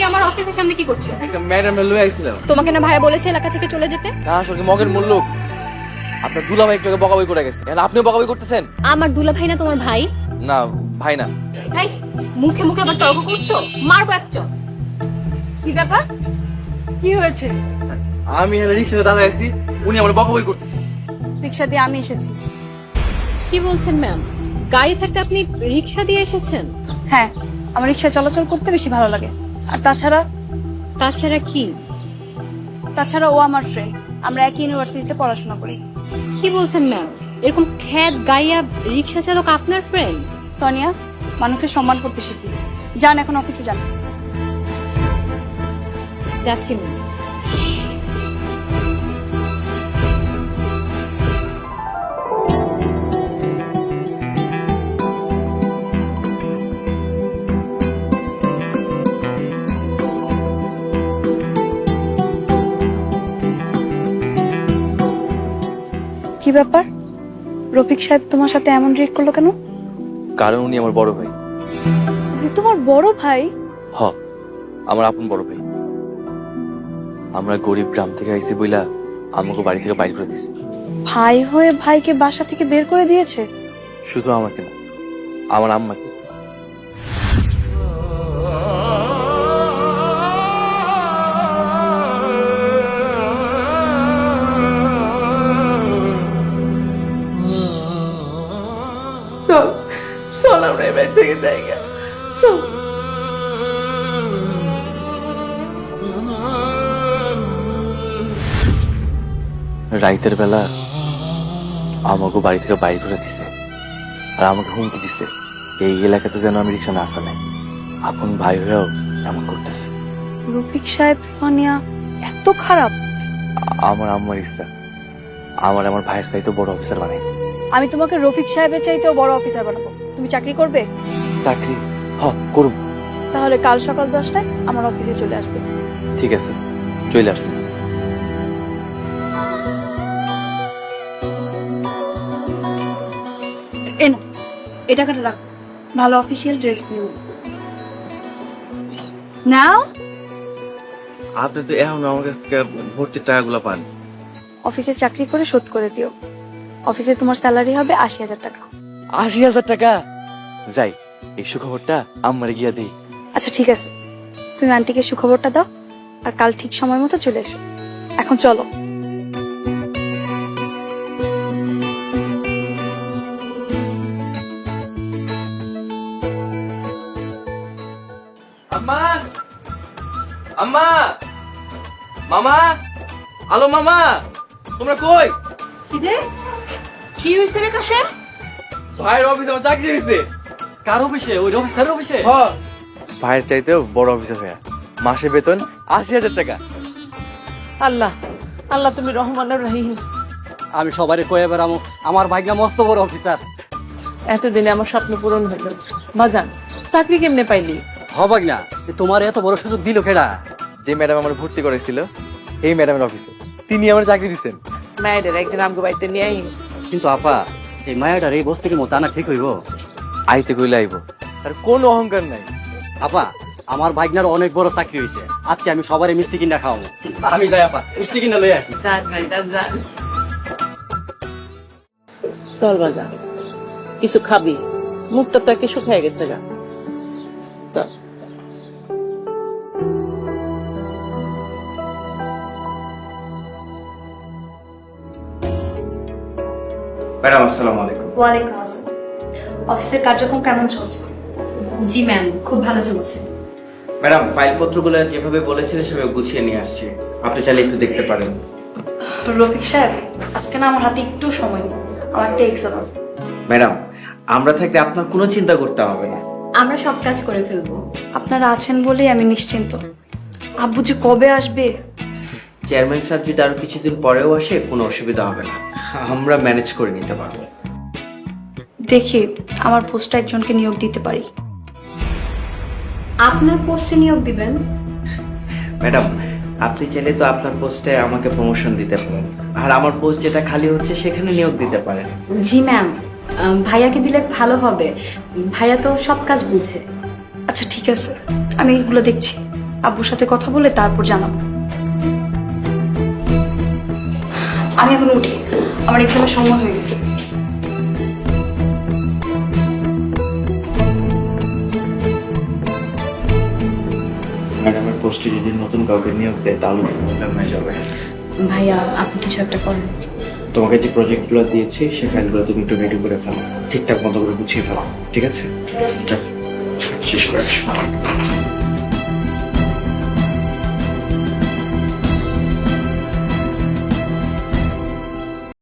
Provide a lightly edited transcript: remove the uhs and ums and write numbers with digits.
আমার অফিসের সামনে কি করছো? একটা ম্যাডাম লয়ে আইছিলাম। তোমাকে না ভাইয়া বলেছে এলাকা থেকে চলে যেতে? না আসলে মগের মূল লোক আপনার দুলাভাই একটু আগে বকাবই করে গেছে, এখন আপনিও বকাবই করতেছেন। আমার দুলা ভাই না তোমার ভাই? না ভাই না। ভাই মুখে মুখে আবার তর্ক করছো, মারবো এক চড়। কি ব্যাপার, কি হয়েছে? আমি এখানে রিক্সাতে দাঁড়ায় আছি, উনি আমার বকাবই করতেছে। রিক্সা দিয়ে আমি এসেছি। কি বলছেন ম্যাম? গাড়ি থাকতে আপনি রিক্সা দিয়ে এসেছেন? হ্যাঁ, আমার রিক্সা চলাচল করতে বেশি ভালো লাগে। আর তাছাড়া কি? তাছাড়া ও আমার ফ্রেন্ড, আমরা একই ইউনিভার্সিটিতে পড়াশোনা করি। কি বলছেন ম্যাম? এরকম খ্যাত গাইয়া রিক্সা চালক আপনার ফ্রেন্ড? সোনিয়া, মানুষকে সম্মান করতে শিখি। যান এখন অফিসে যান। যাচ্ছি ম্যাম। কি ব্যাপার, রফিক সাহেব তোমার সাথে এমন রিয়েক্ট করলো কেন? কারণ উনি আমার বড় ভাই। উনি তোমার বড় ভাই? হ, আমার আপন বড় ভাই। আমরা গরিব গ্রাম থেকে আইছি বইলা আমাকে বাড়ি থেকে বাইর করে দিছে। ভাই হয়ে ভাইকে বাসা থেকে বের করে দিয়েছে? শুধু আমাকে না, আমার আম্মাকে। চল আমরা এবার থেকে জায়গা চল। রাইতের বেলা আমাকে বাড়ি থেকে বাইর করে দিছে আর আমাকে হুমকি দিছে এই এলাকাতে যেন আমি রিক্সা না চালাই। আপন ভাই হয়েও এমন করতেছে। রফিক সাহেব সোনিয়া এত খারাপ? আমার আম্মার ইচ্ছা আমার ভাইয়ের চাইতে বড় অফিসার বানাই। আমি তোমাকে রফিক সাহেবের চাইতেও বড় অফিসার বানাবো। তুমি চাকরি করবে? চাকরি করুম। তাহলে কাল সকাল 10টায় আমার অফিসে চলে আসবে। ঠিক আছে, চলে আসুন। এনো, এই টাকাটা রাখো, ভালো অফিসিয়াল ড্রেস নিও। নাও। আপনি তো এখন আমার কাছ থেকে ভর্তির টাকাগুলো পান। অফিসে চাকরি করে শোধ করে দিও। অফিসে তোমার স্যালারি হবে 80,000 টাকা। 80,000 টাকা? যাই, এই সুখবরটা আম্মারে গিয়া দেই। আচ্ছা ঠিক আছে, তুমি আন্টিকে সুখবরটা দাও আর কাল ঠিক সময় মতো চলে এসো। এখন চলো। আম্মা, আম্মা, মামা, আলো মামা, তোমরা কই? কি রে, কি হয়েছে রে কাশেম? ভাইয়ের অফিসে আমার চাকরি হয়েছে। কার অফিসে? ওই অফিসারের অফিসে? ভাইয়ের চাইতেও বড় অফিসার হয়ে মাসে বেতন 80,000 টাকা। আল্লাহ আল্লাহ তুমি রহমানুর রহিম। আমি সবারে কয়ে বেড়ামো আমার ভাগ্য মস্ত বড় অফিসার। এতদিনে আমার স্বপ্ন পূরণ হইল। বাজান, চাকরি কেমনে পাইলি? হবাক না, তোমার এত বড় সুযোগ দিল কেডা? যে ম্যাডাম আমার ভর্তি করেছিল এই ম্যাডামের অফিসে তিনি আমার চাকরি দিচ্ছেন। মায়েদের একদিন আমগো বাড়িতে নিয়ে আই। কিন্তু আপা, এই মায়াটার এই বস্তির মতো আনা ঠিক হইব? আইতে কইলে আইব, আর কোনো অহংকার নাই। আপা, আমার ভাগ্নার অনেক বড় চাকরি হয়েছে, আজকে আমি সবারই মিষ্টি কিনা খাওয়াবো। আমি যাই আপা, মিষ্টি কিনা লই আসি। যান ভাইটা যান। চল বাজান, কিছু খাবি, মুখটা তো একে শুকিয়ে গেছে গা। চল। ম্যাডাম আসসালামু আলাইকুম। ওয়ালাইকুম আসসালাম। অফিসের কার্যক্রম কেমন চলছে? জি ম্যাম, খুব ভালো চলছে। ম্যাডাম ফাইলপত্রগুলো যেভাবে বলেছিলেন সেভাবে গুছিয়ে নিয়ে আসছি, আপনি চাইলে একটু দেখতে পারেন। রফিক সাহেব, আজকে না আমার হাতে একটু সময় নেই, আমার একটা এক্সাম আছে। ম্যাডাম আমরা থাকতে আপনার কোনো চিন্তা করতে হবে না। আমরা সব কাজ করে ফেলবো। আপনারা আছেন বলেই আমি নিশ্চিন্ত। আব্বু যে কবে আসবে? চেয়ারম্যান সাহেব যদি আরো কিছুদিন পরেও আসে কোনো অসুবিধা হবে না, আমরা ম্যানেজ করে নিতে পারবো। দেখি আমার পোস্টে একজনকে নিয়োগ দিতে পারি। আপনার পোস্টে নিয়োগ দিবেন? ম্যাডাম আপনি চাইলে তো আপনার পোস্টে আমাকে প্রমোশন দিতে পারেন, আর আমার পোস্ট যেটা খালি হচ্ছে সেখানে নিয়োগ দিতে পারেন। জি ম্যাম, ভাইয়াকে দিলে ভালো হবে, ভাইয়া তো সব কাজ বুঝে। আচ্ছা ঠিক আছে, আমি এগুলো দেখছি, আব্বুর সাথে কথা বলে তারপর জানাবো। আমি এখন উঠি, আমার এক্সামের সময় হয়ে গেছে। ম্যাডামের পোস্টে যদি নতুন কাউকে নিয়োগ দেয় তাহলে প্রবলেম হয়ে যাবে। ভাইয়া আপনি কিছু একটা করেন। তোমাকে যে প্রজেক্টগুলো দিয়েছি সেই ফাইলগুলো তুমি একটু রেডি করে ফেলো, ঠিকঠাক মতো করে গুছিয়ে ফেলো, ঠিক আছে? শেষ করে আসো।